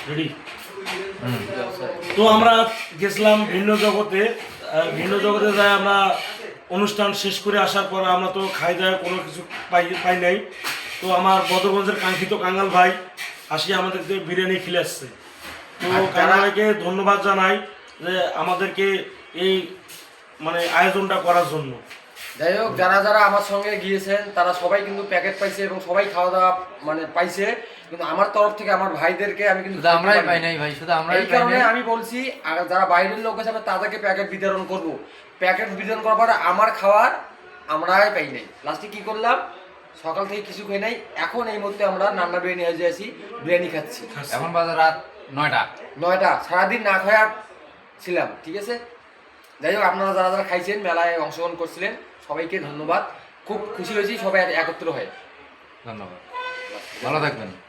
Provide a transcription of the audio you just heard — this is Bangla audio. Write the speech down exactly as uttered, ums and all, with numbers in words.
রেডি। তো আমরা গেছিলাম ভিন্ন জগতে, ভিন্ন জগতে যাই আমরা অনুষ্ঠান শেষ করে আসার পর আমরা তো খাই দাওয়া কোনো কিছু পাই পাই নাই। তো আমার বদরগঞ্জের কাঙ্ক্ষিত কাঙ্গাল ভাই আসি আমাদেরকে বিরিয়ানি খেলে আসছে। তো কাঙ্গাল ভাইকে ধন্যবাদ জানাই যে আমাদেরকে এই মানে আয়োজনটা করার জন্য। যাই হোক, যারা যারা আমার সঙ্গে গিয়েছেন তারা সবাই কিন্তু প্যাকেট পাইছে এবং সবাই খাওয়া দাওয়া মানে পাইছে, কিন্তু আমার তরফ থেকে আমার ভাইদেরকে আমি কিন্তু আমরাই পাই নাই ভাই, শুধু আমরাই এই কারণে আমি বলছি আর যারা বাইরের লোক আছে তাদেরকে প্যাকেট বিতরণ করব। প্যাকেট বিতরণ করার পরে আমার খাওয়ার আমরাই পাই নাই। লাস্টে কি করলাম, সকাল থেকে কিছু খাই নাই, এখন এই মুহূর্তে আমরা নান্না বিরিয়ানি হয়ে যাচ্ছি, বিরিয়ানি খাচ্ছি। এখন বাজে রাত নয়টা নয়টা সারাদিন না খাওয়া ছিলাম, ঠিক আছে। যাই হোক, আপনারা যারা যারা খাইছেন, মেলায় অংশগ্রহণ করছিলেন, সবাইকে ধন্যবাদ। খুব খুশি হয়েছি সবাই একত্র হয়ে। ধন্যবাদ, ভালো থাকবেন।